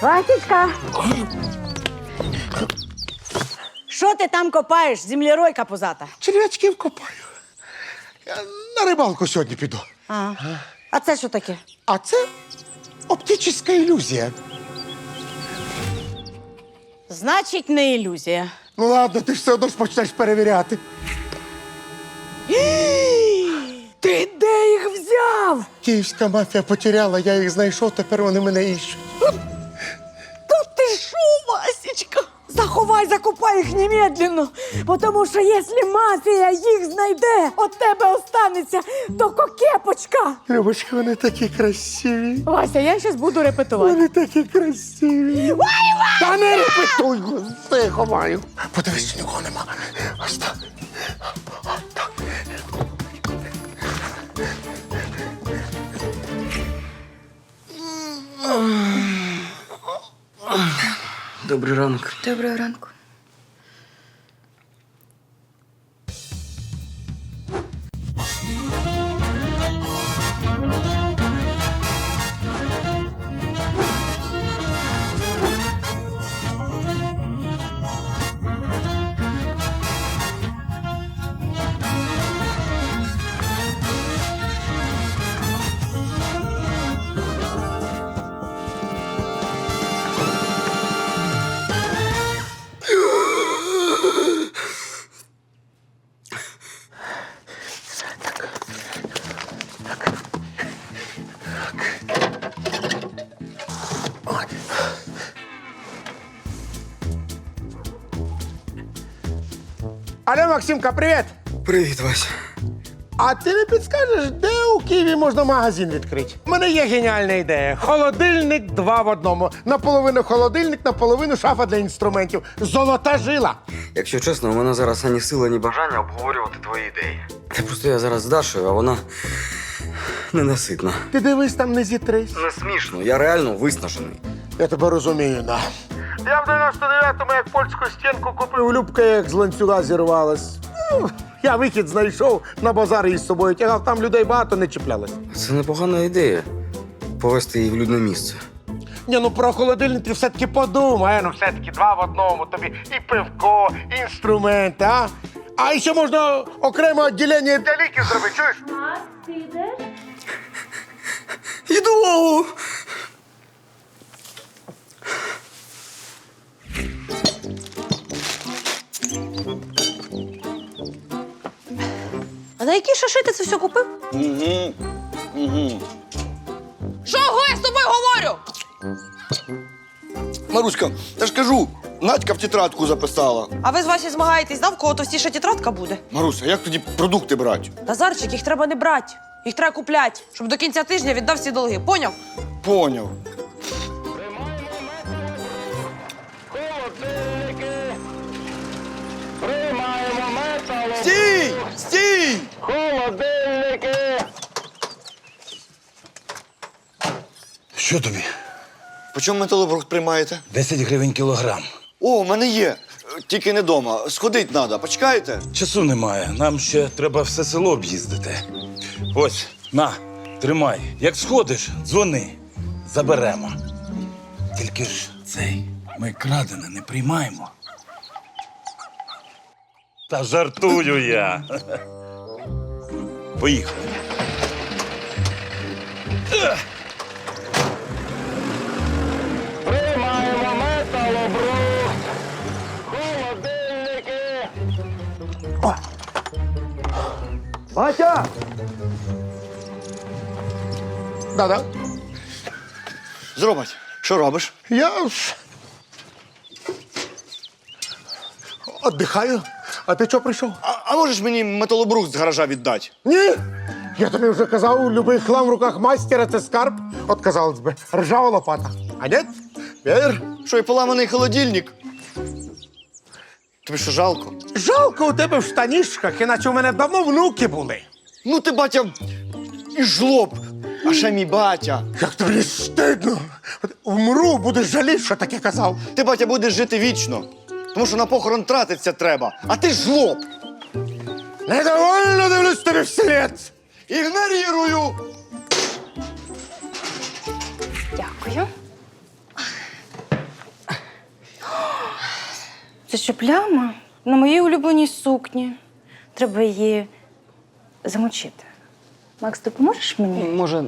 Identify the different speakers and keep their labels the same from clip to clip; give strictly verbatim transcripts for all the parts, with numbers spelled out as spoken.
Speaker 1: Васечка! Що ти там копаєш, землеройка позата?
Speaker 2: Черв'ячків копаю. Я на рибалку сьогодні піду.
Speaker 1: А, а це що таке?
Speaker 2: А це оптична ілюзія.
Speaker 1: Значить, не ілюзія.
Speaker 2: Ну ладно, ти ж все одно ж почнеш перевіряти.
Speaker 1: Ти де їх взяв?
Speaker 2: Київська мафія потеряла, я їх знайшов, тепер вони мене іщуть.
Speaker 1: Та ти що, Васечка? Заховай, закопай їх немедленно, тому що якщо мафія їх знайде, от тебе останеться тільки кепочка.
Speaker 2: Любочка, вони такі красиві.
Speaker 1: Вася, я зараз буду репетувати.
Speaker 2: Вони такі красиві. Та не репетуй, все ховаю. Подивись, нікого нема. Ось так. Ось так.
Speaker 3: Добрий ранок.
Speaker 4: Доброго ранку.
Speaker 2: Алло, Максимка, привіт!
Speaker 3: Привіт, Вася.
Speaker 2: А ти не підскажеш, де у Києві можна магазин відкрити? У мене є геніальна ідея. Холодильник два в одному. Наполовину холодильник, наполовину шафа для інструментів. Золота жила.
Speaker 3: Якщо чесно, у мене зараз ані сили, ані бажання обговорювати твої ідеї. Та просто я зараз з Дашою, а вона ненаситна.
Speaker 2: Ти дивись, там не зітрись.
Speaker 3: Не смішно, я реально виснажений.
Speaker 2: Я тебе розумію, да. Я в дев'яносто дев'ятому, як польську стінку купив, Любка як з ланцюга зірвалась. Ну, я вихід знайшов, на базар її з собою тягав, там людей багато не чіплялось.
Speaker 3: Це непогана ідея. Повести її в людне місце.
Speaker 2: Ні, ну про холодильник ти все-таки подумай. Ну, все-таки два в одному. Тобі і пивко, і інструменти, а? А ще можна окреме відділення для ліків зробити, чуєш?
Speaker 5: Макс, ти йдеш?
Speaker 3: Іду!
Speaker 1: А на які шаши ти це все купив?
Speaker 6: Угу. Угу.
Speaker 1: Чого я з тобою говорю?
Speaker 6: Маруська, я ж кажу, Надька в тетрадку записала.
Speaker 7: А ви з Васі змагаєтесь, да, в кого товстіша тетрадка буде?
Speaker 6: Маруся, як тоді продукти брати?
Speaker 7: Назарчик, їх треба не брати. Їх треба купляти, щоб до кінця тижня віддав всі долги. Поняв?
Speaker 6: Поняв. Стій! Стій!
Speaker 8: Що тобі?
Speaker 6: По чому металобрухт приймаєте?
Speaker 8: десять гривень кілограм.
Speaker 6: О, в мене є. Тільки не дома. Сходить треба. Почекаєте?
Speaker 8: Часу немає. Нам ще треба все село об'їздити. Ось, на, тримай. Як сходиш, дзвони. Заберемо. Тільки ж цей, ми крадене не приймаємо. Та жартую я. Поїхали.
Speaker 9: Приймаємо металобрухт, холодильники.
Speaker 2: Батя! Да-да.
Speaker 6: Зробать. Що робиш?
Speaker 2: Я ж Отдихаю. А ти чого прийшов?
Speaker 6: А, а можеш мені металобрухт з гаража віддати?
Speaker 2: Ні! Я тобі вже казав, любий хлам в руках майстера – це скарб. От, казалось би, ржава лопата. А ні? Вір?
Speaker 6: Що, і поламаний холодильник? Тобі що, жалко?
Speaker 2: Жалко у тебе в штанішках, іначе у мене давно внуки були.
Speaker 6: Ну ти, батя, і жлоб. А ще мій батя.
Speaker 2: Як тобі стидно. От Вмру, будеш жаліти, що таке казав.
Speaker 6: Ти, батя, будеш жити вічно. Тому що на похорон тратиться треба. А ти жлоб.
Speaker 2: Недовольно дивлюсь тобі вслід.
Speaker 6: Ігнорірую.
Speaker 4: Дякую. Це що, пляма? На моїй улюбленій сукні. Треба її замочити. Макс, допоможеш мені?
Speaker 3: Може.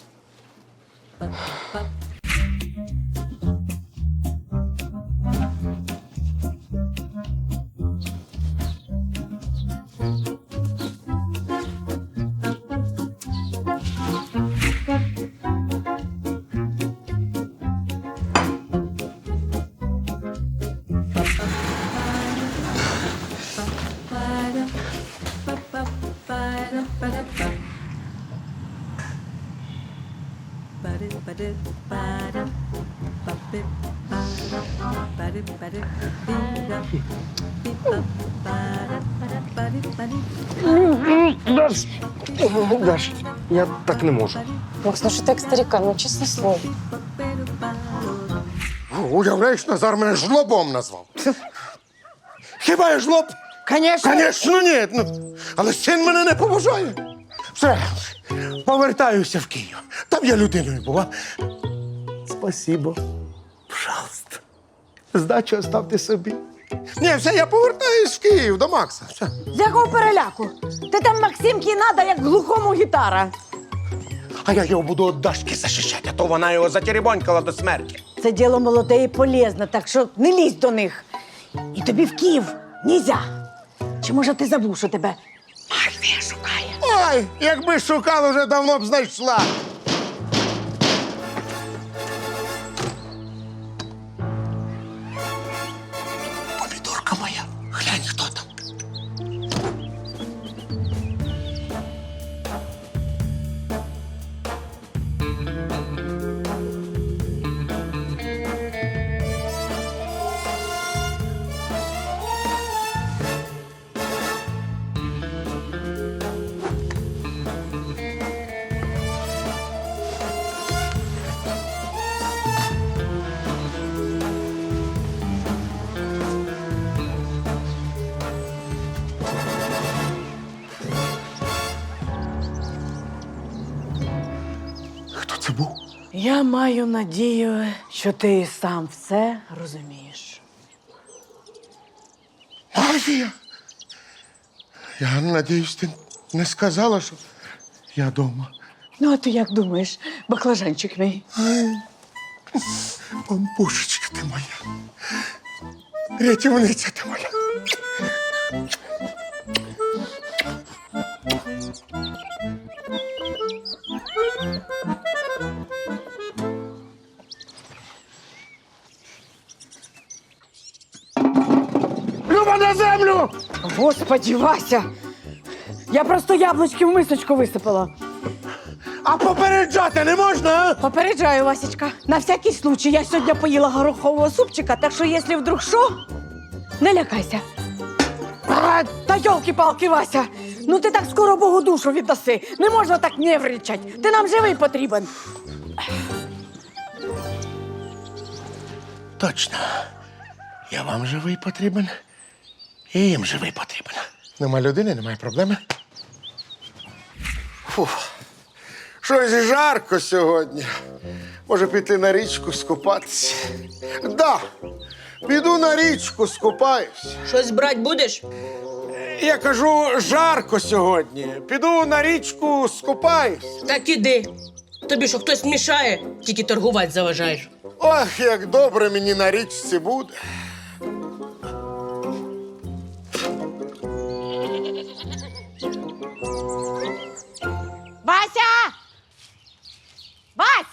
Speaker 5: Даш, Даш, я так не можу.
Speaker 4: Макс, ну що ти як старіка, ну чесне слово.
Speaker 2: Уявляєш, Назар мене жлобом назвав. Хіба я жлоб?
Speaker 1: Звісно.
Speaker 2: Звісно, ні. Ну, але син мене не поважає. Все, повертаюся в Київ. Там я людиною була. Спасибо. Пожалуйста. Здачу оставте собі. Ні, все, я повертаюсь в Київ до Макса. Все.
Speaker 1: З якого переляку? Ти там Максимки надо, як глухому гітара.
Speaker 2: А я його буду від Дашки захищати, а то вона його затеребонькала до смерті.
Speaker 1: Це діло молоде і полезне, так що не лізь до них. І тобі в Київ нельзя. Чи може ти забув, що тебе армія шукає?
Speaker 2: Ой, якби шукала, вже давно б знайшла. Помідорка моя, глянь, хто там. Хто це був?
Speaker 1: Я маю надію, що ти і сам все розумієш.
Speaker 2: Магія! Я надіюсь, ти не сказала, що я вдома.
Speaker 1: Ну, а ти як думаєш, баклажанчик мій?
Speaker 2: Бамбушечка ти моя. Рятівниця ти моя. Люба, на землю!
Speaker 1: Господи, Вася! Я просто яблучки в мисочку висипала.
Speaker 2: А попереджати не можна, а?
Speaker 1: Попереджаю, Васечка. На всякий случай, я сьогодні поїла горохового супчика, так що, якщо вдруг що, не лякайся. А, та йолки-палки, Вася! Ну ти так скоро Богу душу віддаси. Не можна так нервничать. Ти нам живий потрібен.
Speaker 2: Точно. Я вам живий потрібен, і їм живий потрібен. Нема людини, немає проблеми. Фух. Щось жарко сьогодні. Може піти на річку скупатися? Да, піду на річку скупаюсь.
Speaker 7: Щось брать будеш?
Speaker 2: Я кажу, жарко сьогодні. Піду на річку скупаюсь.
Speaker 10: Так іди. Тобі що хтось мішає, тільки торгувати заважаєш.
Speaker 2: Ох, як добре мені на річці буде.
Speaker 1: Вася! Вась!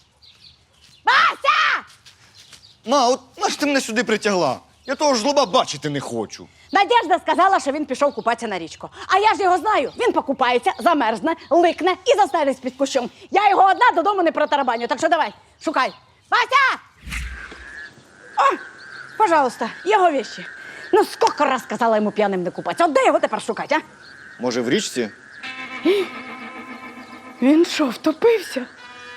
Speaker 1: Вася!
Speaker 6: Ма, от наш ти мене сюди притягла? Я того ж жлоба бачити не хочу.
Speaker 1: Надежда сказала, що він пішов купатися на річку. А я ж його знаю. Він покупається, замерзне, ликне і застрелить під кущом. Я його одна додому не протарабаню, так що давай, шукай. Вася! О, пожалуйста, його вещи. Ну, скільки раз сказала йому п'яним не купатися. От де його тепер шукати, а?
Speaker 6: Може, в річці?
Speaker 1: Він що, втопився?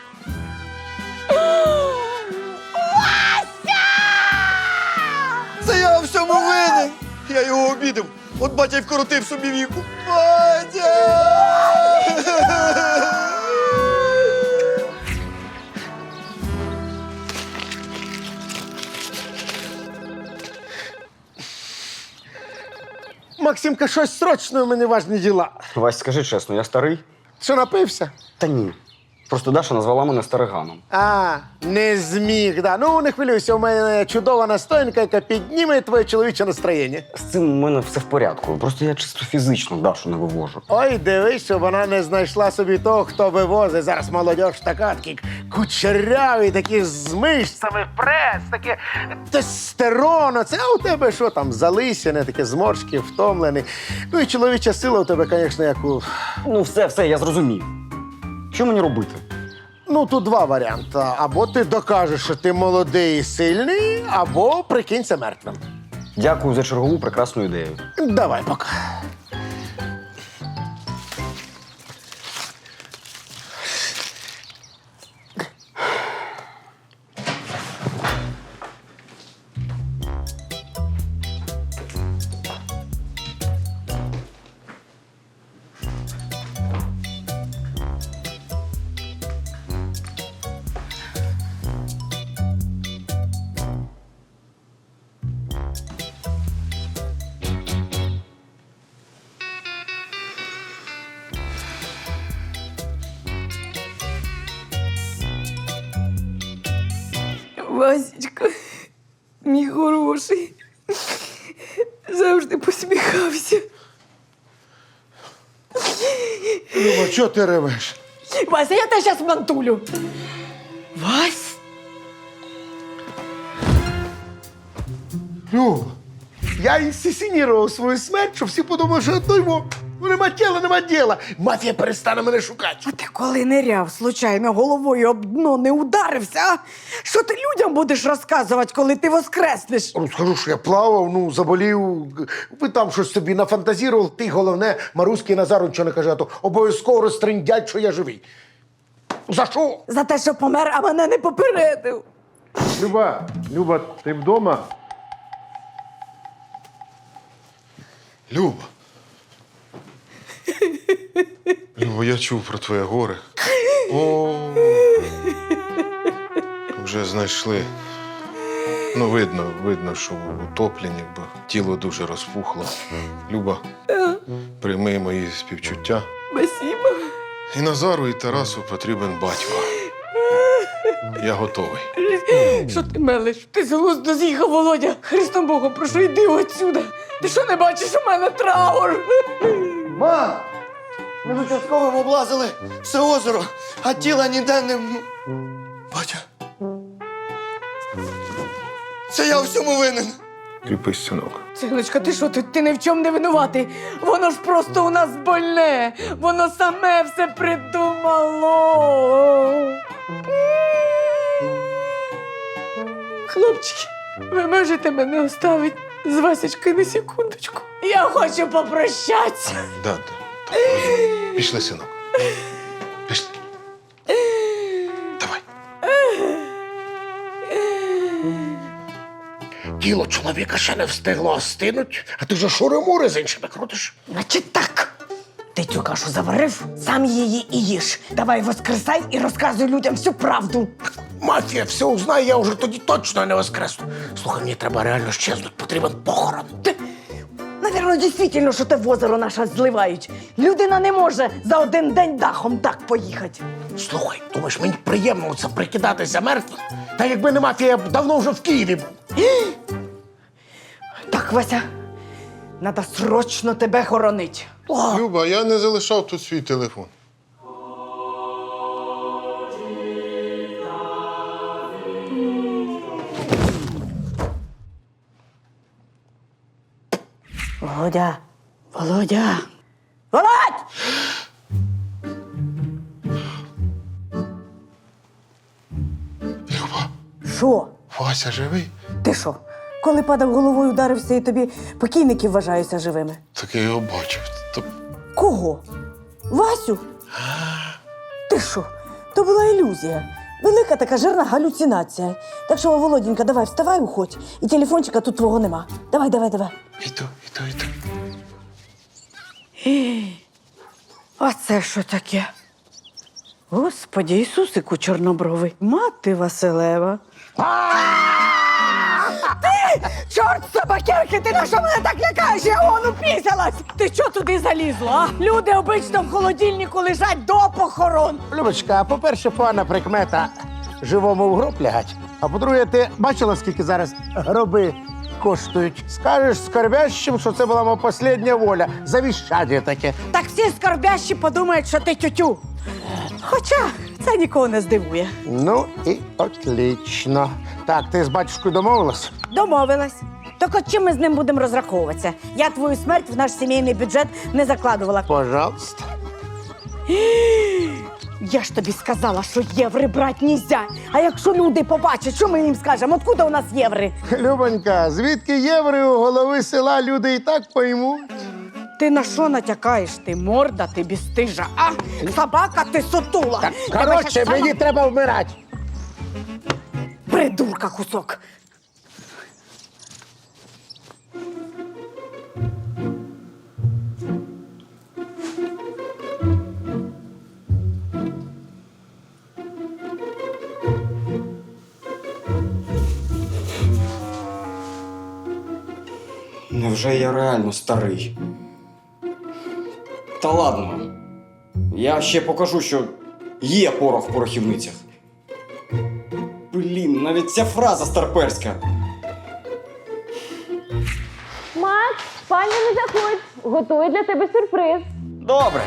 Speaker 6: Це я у всьому винен. Я його обідав. От батя й вкоротив собі віку. Батя!
Speaker 2: Максимка, щось срочне, у мене важні діла.
Speaker 5: Вась, скажи чесно, я старий?
Speaker 2: Що, напився?
Speaker 5: Та ні. Просто Даша назвала мене стариганом.
Speaker 2: А, не зміг, да. Ну, не хвилюйся, у мене чудова настоянка, яка підніме твоє чоловіче настроєння.
Speaker 5: З цим у мене все в порядку. Просто я чисто фізично Дашу не вивожу.
Speaker 2: Ой, дивись, щоб вона не знайшла собі того, хто вивозить. Зараз молодь така, такі кучеряві, такі з мишцями, прес, таке тестостерон. Це а у тебе що там, залисяне, таке зморшки, втомлений. Ну і чоловіча сила у тебе, звісно, як у...
Speaker 5: Ну, все, все, я зрозумів. Що мені робити?
Speaker 2: Ну, тут два варіанти. Або ти докажеш, що ти молодий і сильний, або прикинься мертвим.
Speaker 5: Дякую за чергову прекрасну ідею.
Speaker 2: Давай, пока.
Speaker 1: Васечка, мій хороший, завжди посміхався.
Speaker 2: Люба, чого ти ревеш?
Speaker 1: Вася, я тебе зараз мантулю. Вась?
Speaker 2: Люба, я інсценірував свою смерть, щоб всі подумали, що то його. Ну, нема тіла, нема діла. Мафія перестане мене шукати.
Speaker 1: А ти коли ниряв, случайно головою об дно не ударився, а? Що ти людям будеш розказувати, коли ти воскреснеш?
Speaker 2: Ну, скажу, що я плавав, ну, заболів. Ви там щось собі нафантазірував. Ти, головне, Маруськи Назару нічого не каже, а то обов'язково розтриндять, що я живий. За що?
Speaker 1: За те, що помер, а мене не попередив.
Speaker 2: Люба, Люба, ти вдома?
Speaker 6: Люба. Люба, я чув про твоє горе. О, вже знайшли. Ну, видно, видно, що утоплені, бо тіло дуже розпухло. Люба, прийми мої співчуття.
Speaker 1: Спасибо.
Speaker 6: І Назару, і Тарасу потрібен батько. Я готовий.
Speaker 1: Що ти мелиш? Ти з глузду з'їхав, Володя. Христом Богом, прошу, йди отсюда. Ти що не бачиш, у мене траур?
Speaker 6: Мам! Ми з участковим облазили все озеро, а тіла ніде не... Батя. Це я у всьому винен. Кріпись, синок.
Speaker 1: Синочка, ти що, ти, ти ні в чому не винуватий? Воно ж просто у нас больне. Воно саме все придумало. Хлопчики, ви можете мене оставити з Васечкою на секундочку? Я хочу попрощатися.
Speaker 6: Да, да. Так, розумію. Пішли, синок. Пішли. Давай.
Speaker 2: Тіло чоловіка ще не встигло остинуть, а ти вже шури-мури з іншими крутиш.
Speaker 1: Значить так. Ти цю кашу заварив, сам її і їж. Давай воскресай і розказуй людям всю правду.
Speaker 2: Мафія все узнає, я вже тоді точно не воскресну. Слухай, мені треба реально щезнуть, потрібен похорон.
Speaker 1: Ти, навірно, дійсно, що те в озеро наше зливають. Людина не може за один день дахом так поїхати.
Speaker 2: Слухай, думаєш, мені приємно це прикидатися мертвим? Та якби не мафія, я б давно вже в Києві був.
Speaker 1: Так, Вася, треба срочно тебе хоронить.
Speaker 6: Люба, я не залишав тут свій телефон.
Speaker 1: Володя, Володя, Володь!
Speaker 6: Люба,
Speaker 1: Що?
Speaker 6: Вася живий?
Speaker 1: Ти що? Коли падав головою, ударився і тобі покійники вважаються живими?
Speaker 6: Так я його бачив. То...
Speaker 1: Кого? Васю? Ти що? То була ілюзія. Велика така жирна галюцинація. Так що, Володінька, давай вставай, уходь. І телефончика тут твого нема. Давай, давай, давай.
Speaker 6: Іду, іду, іду.
Speaker 1: А це що таке? Господи, Ісусику чорнобровий. Мати Василева. Ти! Чорт собакерки, ти на що мене так лякаєш? Я вон упісялась! Ти що туди залізла, а? Люди обично в холодильнику лежать до похорон.
Speaker 2: Любочка, по-перше, погана прикмета живому в гроб лягать. А по-друге, ти бачила, скільки зараз гроби коштують? Скажеш скорбящим, що це була моя остання воля. Завіщання таке.
Speaker 1: Так всі скорбящі подумають, що ти тютю. Хоча це нікого не здивує.
Speaker 2: Ну і отлично. Так, ти з батюшкою домовилась?
Speaker 1: Домовилась. Так от чим ми з ним будемо розраховуватися? Я твою смерть в наш сімейний бюджет не закладувала.
Speaker 2: Пожалуйста.
Speaker 1: Я ж тобі сказала, що єври брати нельзя. А якщо люди побачать, що ми їм скажемо? Откуда у нас єври?
Speaker 2: Любонька, звідки єври у голови села люди і так поймуть?
Speaker 1: Ти на що натякаєш? Ти морда, ти бістижа, а? Собака, ти сутула.
Speaker 2: Так,
Speaker 1: Тебе
Speaker 2: коротше,
Speaker 1: щас
Speaker 2: мені
Speaker 1: сама-
Speaker 2: треба вмирати.
Speaker 1: Придурка кусок.
Speaker 3: Невже я реально старий? Та ладно. Я ще покажу, що є порох в порохівницях. Блін, навіть ця фраза старперська.
Speaker 11: Макс, пані, не заходь. Готую для тебе сюрприз.
Speaker 3: Добре.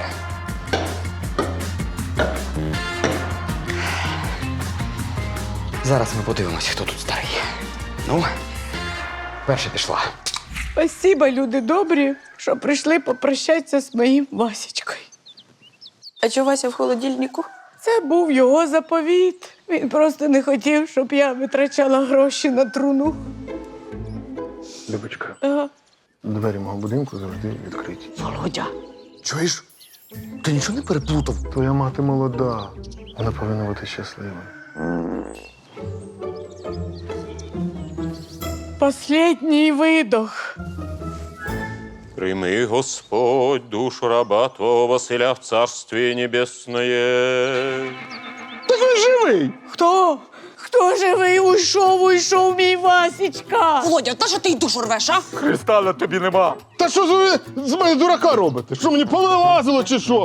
Speaker 3: Зараз ми подивимося, хто тут старий. Ну, перша пішла.
Speaker 1: Спасибо, люди добрі, що прийшли попрощатися з моїм Васечкою.
Speaker 7: А чого Вася в холодильнику?
Speaker 1: Це був його заповіт. Він просто не хотів, щоб я витрачала гроші на труну.
Speaker 6: Любочка,
Speaker 1: Ага.
Speaker 6: двері мого будинку завжди відкриті.
Speaker 1: Володя,
Speaker 6: Чуєш? Ти нічого не переплутав? Твоя мати молода. Вона повинна бути щаслива.
Speaker 1: последній видох.
Speaker 9: Прими, Господь, душу раба Твого Василя в Царствие Небесное.
Speaker 2: Так він живий!
Speaker 1: Хто? Хто живий? Уйшов, уйшов мій Васечка.
Speaker 7: Володя, та що ти й душу рвеш, а?
Speaker 6: Христа на тобі нема. Та що ж ви з мене дурака робите? Що мені повилазило чи що?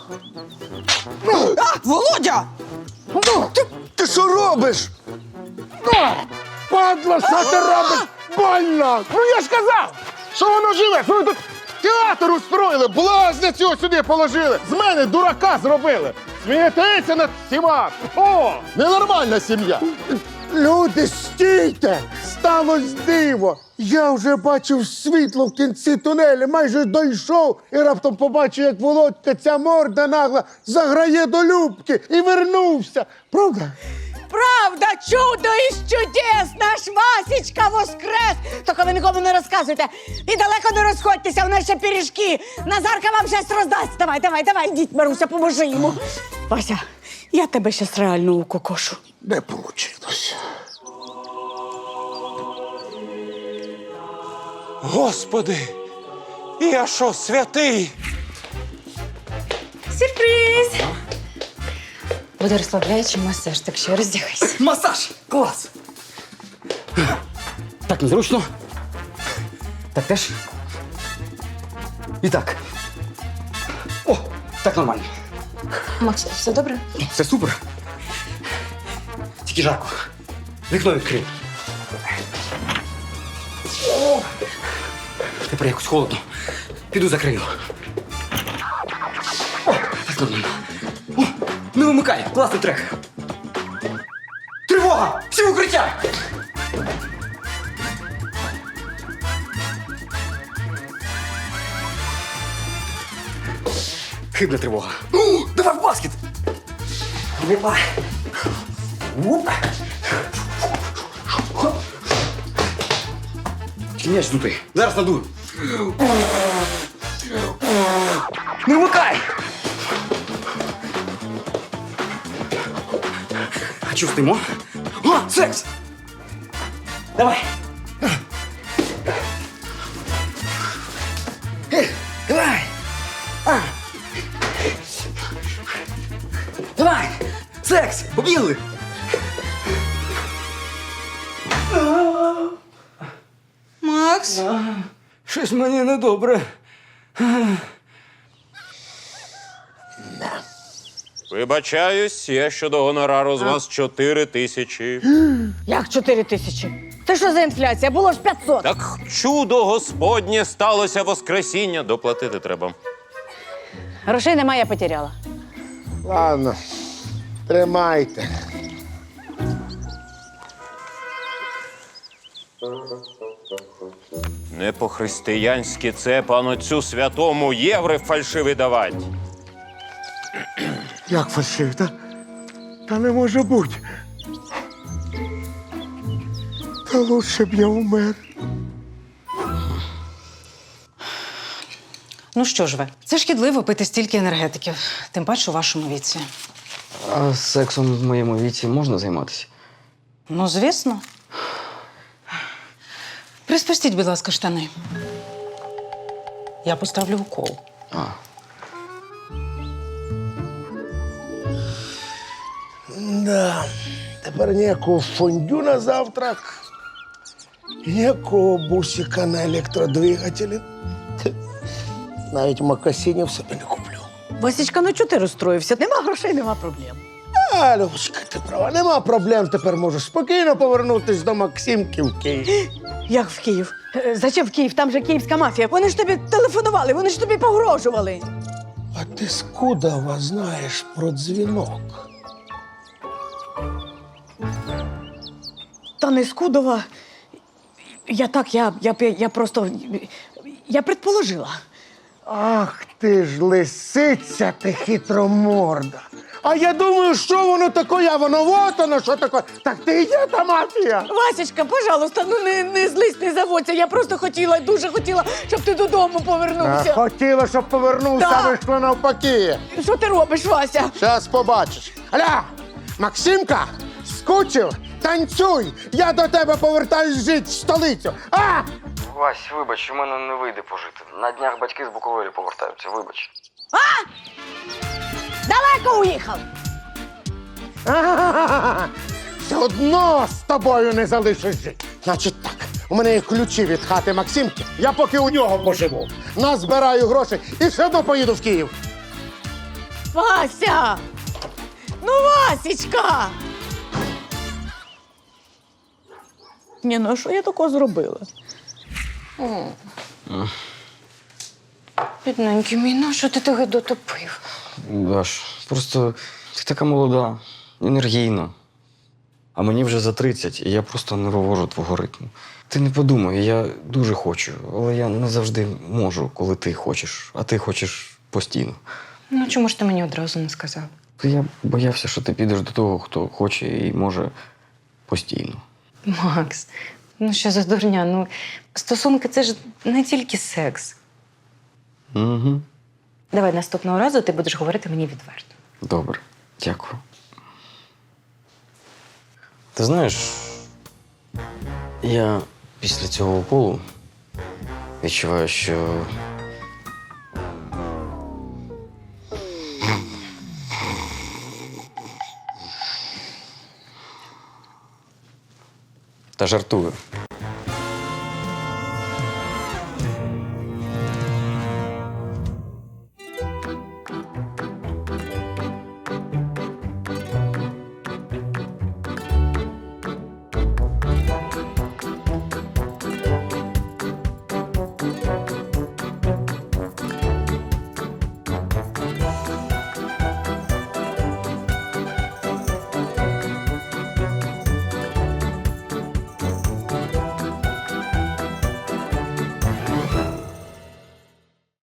Speaker 7: А, Володя!
Speaker 2: Ти, ти що робиш? А! Падла, що ти робиш? Больно! Ну я ж казав, що воно живе! Що ви тут театр устроїли, блазня цього сюди положили! З мене дурака зробили! Смієтеся над всіма! О! Ненормальна сім'я! Люди, стійте! Сталось диво! Я вже бачив світло в кінці тунелю, майже дійшов і раптом побачив, як Володька, ця морда нагла, заграє до Любки і вернувся. Правда?
Speaker 1: Правда, чудо із чудес! Наш Васечка воскрес! Тільки ви нікому не розказуйте. І далеко не розходьтеся, у нас ще пиріжки. Назарка вам щось роздасть. Давай, давай, давай, йдіть, Маруся, поможи йому. Вася, я тебе щас реально укокошу.
Speaker 2: Не получилось.
Speaker 9: Господи, я що, святий?
Speaker 4: Сюрприз! Буде розслабляючий масаж, так що роздягайся.
Speaker 3: Масаж! Клас! Так незручно. Так теж. І так. О, так нормально.
Speaker 4: Макс, все добре?
Speaker 3: Все супер. Тільки жарко. Вікно відкрив. О! Тепер якось холодно. Піду закрию. О, так нормально. О, не вимикай, класний трек. Тривога! Всі в укриття! Хибна тривога. О, давай в баскет! Опа! Оп! Тільки м'яч здутий. Зараз надую. Не вмикай! А чого стоїмо? О, секс! Давай! Е, Давай! А. Давай! Секс! Побігли!
Speaker 4: Макс?
Speaker 3: Щось мені недобре.
Speaker 9: Вибачаюсь, я щодо гонорару з вас чотири тисячі.
Speaker 1: Як чотири тисячі? Це що за інфляція? Було ж п'ятсот.
Speaker 9: Так чудо Господнє сталося воскресіння. Доплатити треба.
Speaker 1: Грошей немає, я потеряла.
Speaker 2: Ладно, тримайте.
Speaker 9: Не по-християнськи це, панотцю святому, євро фальшивий давать.
Speaker 2: Як фальшив, та? Та не може бути. Та лучше б я умер.
Speaker 4: Ну що ж ви, це шкідливо пити стільки енергетиків, тим паче у вашому віці.
Speaker 3: А сексом в моєму віці можна займатися?
Speaker 4: Ну, звісно. Приспустіть, будь ласка, штани. Я поставлю укол.
Speaker 3: А.
Speaker 2: Да. Тепер ніякого фондю на завтрак, ніякого бусика на електродвигателі. Навіть макасинів собі не куплю.
Speaker 1: Васічка, ну чого ти розстроївся? Нема грошей, нема проблем.
Speaker 2: А, Любочка, ти права, нема проблем, тепер можеш спокійно повернутися до Максимки в Київ.
Speaker 1: Як в Київ? Е, Зачем в Київ? Там же київська мафія. Вони ж тобі телефонували, вони ж тобі погрожували.
Speaker 2: А ти скудова знаєш про дзвінок?
Speaker 1: Та не Скудова. Я так, я, я, я просто. Я предположила.
Speaker 2: Ах ти ж лисиця, ти хитроморда. А я думаю, що воно таке, а воно вот воно, що таке. Так ти і є та мафія.
Speaker 1: Васечка, пожалуйста, ну не, не злись, не заводься. Я просто хотіла, дуже хотіла, щоб ти додому
Speaker 2: А,
Speaker 1: повернувся.
Speaker 2: хотіла, щоб повернувся,
Speaker 1: Да.
Speaker 2: а вийшло навпаки.
Speaker 1: Що ти робиш, Вася?
Speaker 2: Зараз побачиш. Аля, Максимка, скучив? Танцюй! Я до тебе повертаюсь жити в столицю. А!
Speaker 3: Вась, вибач, у мене не вийде пожити. На днях батьки з Буковелі повертаються, вибач.
Speaker 1: Далеко уїхав.
Speaker 2: А-га-га-га. Все одно з тобою не залишиш жити. Значить так, у мене є ключі від хати Максимки. Я поки у нього поживу. Назбираю гроші і все одно поїду в Київ.
Speaker 1: Вася! Ну, Васечка! Ні, ну а що я такого зробила?
Speaker 4: Бідненький мій, ну що ти тебе дотопив?
Speaker 3: Даш, просто ти така молода, енергійна. А мені вже за тридцять, і я просто не вивожу твого ритму. Ти не подумай, я дуже хочу, але я не завжди можу, коли ти хочеш, а ти хочеш постійно.
Speaker 4: Ну чому ж ти мені одразу не сказав?
Speaker 3: Та я боявся, що ти підеш до того, хто хоче і може постійно.
Speaker 4: Макс, ну що за дурня? Ну, стосунки це ж не тільки секс.
Speaker 3: Угу.
Speaker 4: Давай наступного разу ти будеш говорити мені відверто.
Speaker 3: Добре, дякую. Ти знаєш, я після цього уколу відчуваю, що та жартую.